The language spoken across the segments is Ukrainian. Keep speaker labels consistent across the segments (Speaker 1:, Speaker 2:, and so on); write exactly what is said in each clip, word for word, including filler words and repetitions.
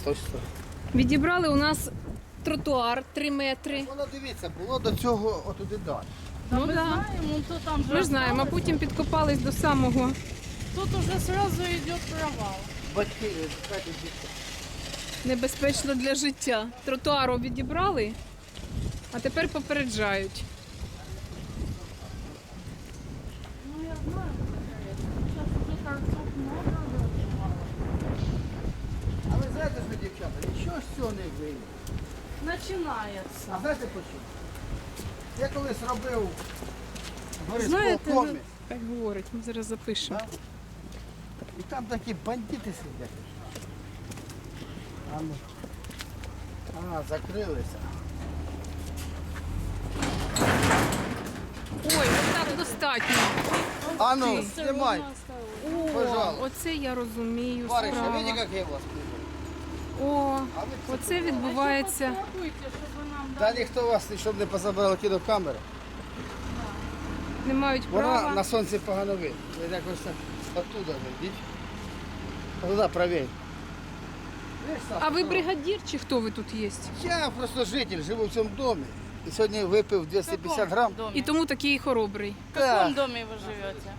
Speaker 1: точно.
Speaker 2: Відібрали у нас тротуар три метри.
Speaker 1: Воно, дивіться, було до цього отуди далі.
Speaker 2: Ну
Speaker 3: Ми
Speaker 2: да.
Speaker 3: знаємо, ну, то там же
Speaker 2: Ми ж знаємо, а
Speaker 3: осталось.
Speaker 2: потім підкопались до самого.
Speaker 3: Тут уже сразу йде провал.
Speaker 1: Батьки, чекайте, дітки.
Speaker 2: Небезпечно для життя. Тротуару відібрали, а тепер попереджають.
Speaker 3: Ну я знаю, зараз уже торцов много вирішувало.
Speaker 1: А ви знаєте, що, дівчата, нічого з цього не вийде.
Speaker 3: Починається.
Speaker 1: А знаєте по чому? Я колись робив в
Speaker 2: Знаєте,
Speaker 1: горисполкомі,
Speaker 2: ви- так говорить, ми зараз запишемо.
Speaker 1: да? І там такі бандити сидять. А, ну. А, закрилися.
Speaker 2: Ой, отак достатньо.
Speaker 1: А ну,
Speaker 2: Ти.
Speaker 1: знімай.
Speaker 2: О,
Speaker 1: Пожалуйста.
Speaker 2: оце я розумію.
Speaker 1: Бариша,
Speaker 2: справа.
Speaker 1: видите, як я вас люблю?
Speaker 2: О,
Speaker 1: А ви це
Speaker 2: оце відбувається.
Speaker 3: Попробуйте, щоб нам
Speaker 1: Та ніхто вас, щоб не позабрали кінокамери.
Speaker 2: Не мають
Speaker 1: Вона
Speaker 2: права.
Speaker 1: на сонці погано видно. Ви якось так оттуда йдіть. Туди правій.
Speaker 2: А ви бригадір чи хто ви тут є?
Speaker 1: Я просто житель, живу в цьому домі. І сьогодні випив двісті п'ятдесят грам.
Speaker 2: І тому такий хоробрий.
Speaker 3: В каком
Speaker 1: Так.
Speaker 3: доме вы живете?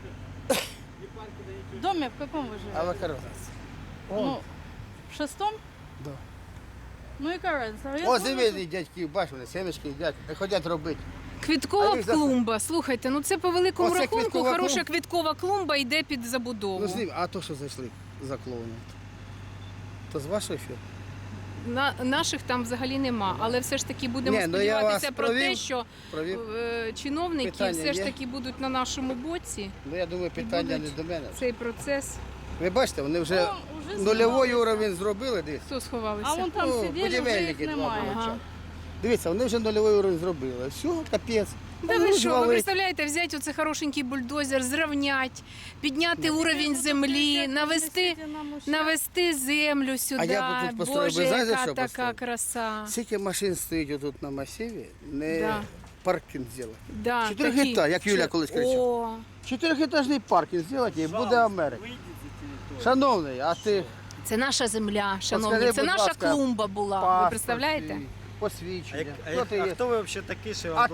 Speaker 3: В доме в каком вы
Speaker 1: А
Speaker 3: живете?
Speaker 1: ви разниця?
Speaker 3: Ну, в шестом?
Speaker 1: Да.
Speaker 3: Ну і разниця. Я
Speaker 1: Ось
Speaker 3: думаю,
Speaker 1: дивіться, дядьки, бачите, вони семечки їдять, не ходять робити.
Speaker 2: Квіткова
Speaker 1: А їх за-
Speaker 2: клумба. Слухайте, ну це по великому
Speaker 1: Оце
Speaker 2: рахунку
Speaker 1: квіткова
Speaker 2: хороша
Speaker 1: клумба.
Speaker 2: квіткова клумба йде під забудову.
Speaker 1: Ну з ним, а то, що зайшли за клоуном. То з вашої фірми?
Speaker 2: На, наших там взагалі нема, але все ж таки будемо
Speaker 1: Ні, ну я
Speaker 2: сподіватися
Speaker 1: вас
Speaker 2: про те,
Speaker 1: провів,
Speaker 2: що
Speaker 1: провів.
Speaker 2: е, чиновники
Speaker 1: Питання
Speaker 2: все ж
Speaker 1: є?
Speaker 2: таки будуть на нашому боці.
Speaker 1: Ну я думаю, питання
Speaker 2: будуть
Speaker 1: не до мене.
Speaker 2: Цей процес.
Speaker 1: Ви бачите, вони вже
Speaker 3: Вон, уже
Speaker 1: нульовий
Speaker 3: сховалися.
Speaker 1: уровень зробили, дивіться.
Speaker 2: Хто сховалися?
Speaker 3: А вон там
Speaker 1: Ну,
Speaker 3: сиділи, вже їх
Speaker 1: будівельники два
Speaker 3: немає.
Speaker 1: були.
Speaker 2: Ага.
Speaker 1: Дивіться, вони вже нульовий уровень зробили. Все, капець.
Speaker 2: Да
Speaker 1: Вони
Speaker 2: ви що, ви
Speaker 1: звалить.
Speaker 2: представляєте, взяти оце хорошенький бульдозер, зрівняти, підняти уровень землі, навести, навести землю сюди.
Speaker 1: А я б тут построїв,
Speaker 2: Боже,
Speaker 1: ви знаєте,
Speaker 2: яка
Speaker 1: що
Speaker 2: така
Speaker 1: построїв?
Speaker 2: краса.
Speaker 1: Скільки машин стоїть отут на масиві, не
Speaker 2: Да.
Speaker 1: паркінг зробити.
Speaker 2: Да,
Speaker 1: Чотирьохетаж,
Speaker 2: такі.
Speaker 1: як Юля колись кричала.
Speaker 2: О,
Speaker 1: Чотирьохетажний паркінг зробити і буде Америка. Шановний, а ти
Speaker 2: це наша земля, шановні,
Speaker 1: Подскажи,
Speaker 2: це
Speaker 1: будь
Speaker 2: наша
Speaker 1: ласка,
Speaker 2: клумба була, ви
Speaker 1: паспорт
Speaker 2: представляєте?
Speaker 1: свій, посвідчення.
Speaker 4: А,
Speaker 1: Хто
Speaker 4: як,
Speaker 1: ти
Speaker 4: а
Speaker 1: є?
Speaker 4: хто ви взагалі такий, що
Speaker 1: А
Speaker 4: вам